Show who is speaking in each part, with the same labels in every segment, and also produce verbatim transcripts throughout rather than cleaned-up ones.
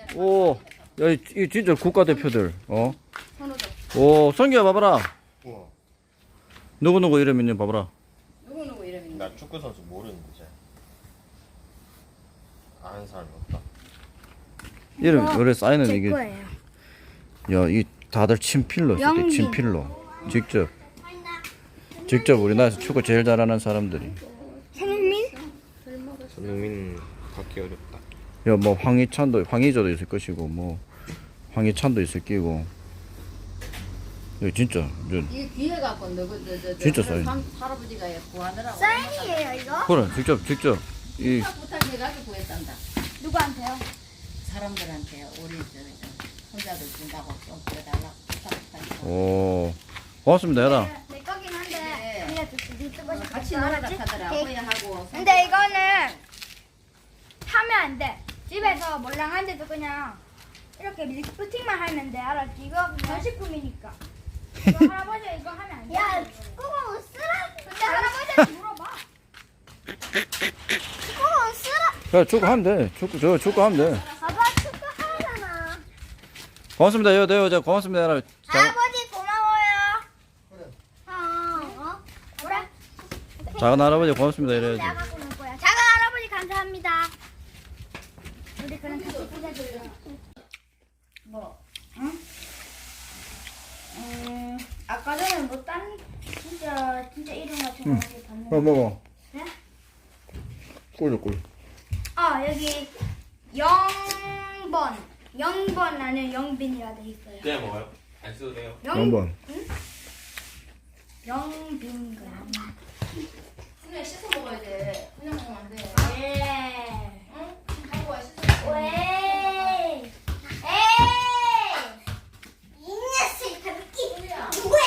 Speaker 1: 오, 야, 이, 이 진짜 국가대표들, 어? 오, 성규야, 봐봐라.
Speaker 2: 우와.
Speaker 1: 누구누구 이름 있는 봐봐라.
Speaker 3: 누구누구 이름이
Speaker 2: 나 축구 선수 모르는데 잘. 아는 사람이 없다.
Speaker 1: 이름, 원래 사인은
Speaker 4: 제
Speaker 1: 이게.
Speaker 4: 거예요.
Speaker 1: 야, 이 다들 친필로 썼대,
Speaker 4: 영빈.
Speaker 1: 친필로. 직접. 직접 우리나라에서 축구 제일 잘하는 사람들이.
Speaker 4: 손흥민?
Speaker 2: 손흥민 받기 어렵다.
Speaker 1: 야, 뭐, 황희찬도, 황희조도 있을 것이고, 뭐, 황희찬도 있을 끼고. 야, 진짜. 저,
Speaker 3: 이게 귀해 갖고 누구 저, 저, 저,
Speaker 1: 진짜 사인.
Speaker 3: 할- 할아버지가 구하느라고
Speaker 4: 사인이에요 이거?
Speaker 1: 그래, 직접, 직접. 이,
Speaker 3: 부탁 부탁해가지고 구했단다.
Speaker 4: 누구한테요?
Speaker 3: 사람들한테 우리 저, 저 혼자들 준다고 좀 구해달라고 부탁 부탁.
Speaker 1: 오, 고맙습니다, 얘라.
Speaker 4: 내 거긴 한데
Speaker 3: 네.
Speaker 4: 그냥 네 쓰고 싶어.
Speaker 3: 같이 놀아라 하더라. 후회하고.
Speaker 4: 근데 이거는 하면 안 돼. 집에서 몰랑 한데도 그냥 이렇게 리프팅만 하면 돼. 알았지? 이거 전식품이니까. 이거 할아버지 이거 하면 안 돼. 야, 그거 쓰라. 근데 할아버지한테 물어봐. 그거 쓰라.
Speaker 1: 그래, 축구 하면 돼. 축구, 저, 축구 하면 돼.
Speaker 4: 아빠 축구 하잖아.
Speaker 1: 고맙습니다, 여, 여, 저, 고맙습니다, 얘라. 자,
Speaker 4: 할아버지 고마워요. 그래. 어, 어? 그래.
Speaker 1: 작은 할아버지 고맙습니다, 이래야지.
Speaker 4: 내가 갖고 놀 거야. 작은 할아버지 감사합니다. 우리 그럼 같이 부자들이야. 뭐? 응? 음, 아까 전에 뭐 딴 진짜 진짜 이름 같은 거 어디 봤는데.
Speaker 1: 어, 먹어.
Speaker 4: 네?
Speaker 1: 꿀, 꿀.
Speaker 4: 아 여기 영번 영번 안에 영빈이라 돼 있어요.
Speaker 2: 그냥 먹어요? 안 써도 돼요?
Speaker 4: 영
Speaker 1: 번.
Speaker 4: 영빈 거야.
Speaker 3: 그냥 씻어 먹어야 돼. 그냥 먹으면 안 돼.
Speaker 4: 예.
Speaker 3: 응? 하고 와 씻어.
Speaker 4: 왜? 에이! 이 녀석 가볍게 누구야?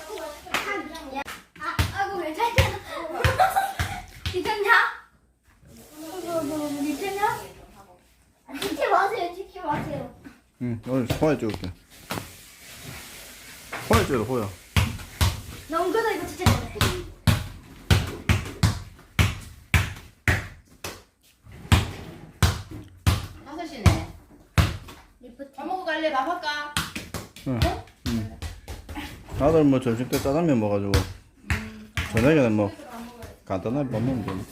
Speaker 4: 아, 아이고 괜찮냐? 괜찮냐? 아이고 괜찮냐? 아, 찍지 마세요, 찍지 마세요.
Speaker 1: 응, 오늘 호야 찍을게. 호야 찍어, 호야.
Speaker 4: 나 엉거다 이거 진짜 잘해.
Speaker 3: 다섯 시네.
Speaker 4: 리프팅.
Speaker 3: 밥 먹고 갈래? 밥 할까?
Speaker 1: 응. 응. 나들 뭐 점심 때 짜장면 먹어가지고. 저녁에는 뭐, 간단하게 밥 먹으면 되네.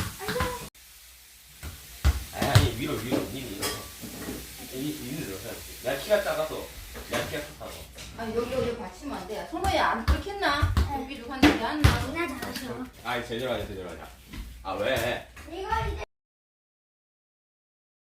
Speaker 2: 아니, 아니 위로 위로 니 위로. 이 위로 들어가야지. 나 키가 작아서. 나 키가 커서.
Speaker 3: 아 여기 여기 받치면 안 돼. 손호야 안 끓겠나? 여기 누가 내게 안 나.
Speaker 4: 나 잘하셔.
Speaker 2: 아 제대로 하자 제대로 하자. 아 왜?
Speaker 4: 이거 이제